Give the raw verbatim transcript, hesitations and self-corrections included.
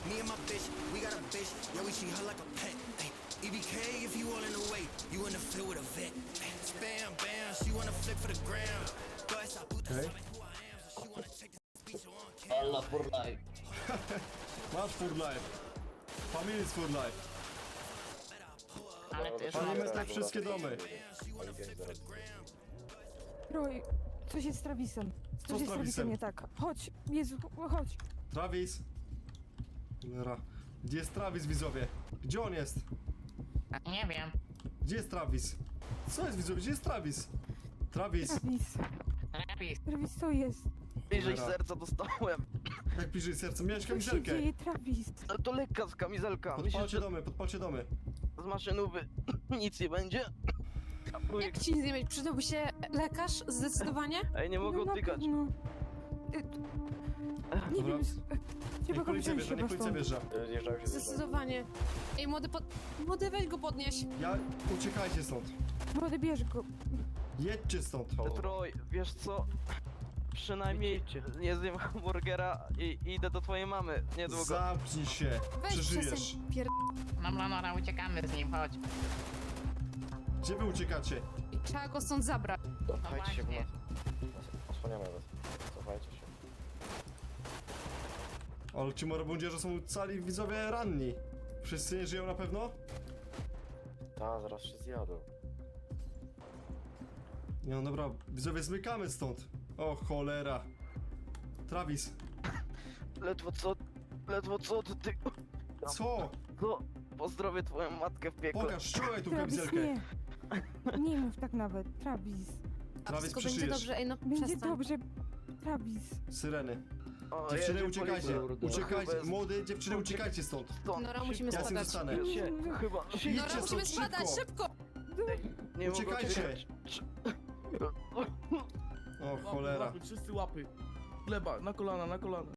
Me and my bitch, we got a bitch, yeah, we treat her like a pet. Ay, E B K if you all in the way, you in the field with a vet. Ay, Bam, bam, she wanna flip for the gram. Go esa puta Okej. sabe who I am, so she wanna check this speech on camera. Allah for life. Masz for life. Family is for life. Ale ty już Palimy tak wszystkie domy. Roy, coś jest z Travisem. Co Coś z jest z Travisem? Travisem nie tak. Chodź, Jezu, chodź. Travis. Cholera. Gdzie jest Travis, widzowie? Gdzie on jest? nie wiem. Gdzie jest Travis? Co jest, widzowie? Gdzie jest Travis? Travis. Travis, Travis. Travis, co jest? Bliżej Cholera. serca dostałem. Jak bliżej serca? Miałeś Co się kamizelkę. dzieje, Travis? Ale to lekka z kamizelka. Myślisz, Podpalcie że domy, podpalcie domy. z maszynowy nic nie będzie? Jak ci nie mieć? Przydałby się lekarz? Zdecydowanie? Ej, nie mogę No, na odtykać. pewno. Y, Nie Dobra. wiem, s- trzeba Niech go policja wziąć wjeżdża, chyba niech policja stąd. wjeżdża. Zdecydowanie. Ej, młody, pod... młody, weź go podnieś. Ja... Uciekajcie stąd. Młody, bierz go. Jedźcie stąd. Troj, wiesz co? Przynajmniej nie zjem hamburgera i i idę do twojej mamy niedługo. Zamknij się. Weź Przeżyjesz. przestań pier... No, no, no, no, uciekamy z nim, chodź. Gdzie wy uciekacie? I trzeba go stąd zabrać. Cofajcie się, bo właśnie. nas... Osłaniamy was. Cofajcie się. Ale ci morobundzierze są cali widzowie ranni. Wszyscy nie żyją na pewno? Ta, zaraz się zjadą. Nie no dobra, widzowie zmykamy stąd. O cholera. Travis, Ledwo co, ledwo co ty, ty... co? Co? Pozdrowię twoją matkę w piekle. Pokaż, ściągaj tą Travis, kamizelkę. nie. Nie mów tak nawet, Travis. A Travis, wszystko będzie przeżyjesz. dobrze, ej no Będzie przestań. dobrze, Travis. Syreny. O, Dziewczyny jedzie uciekajcie, policja. uciekajcie, Chyba jest- młody, dziewczyny uciekajcie stąd. Stąd. Nora, musimy Ja z tym spadać. zostanę. Się, chyba... Idźcie Nora, stąd, musimy spadać, szybko. szybko! Nie mogę Uciekajcie. odtykać. O cholera. Łapy, wszyscy łapy. Gleba, na kolana, na kolana.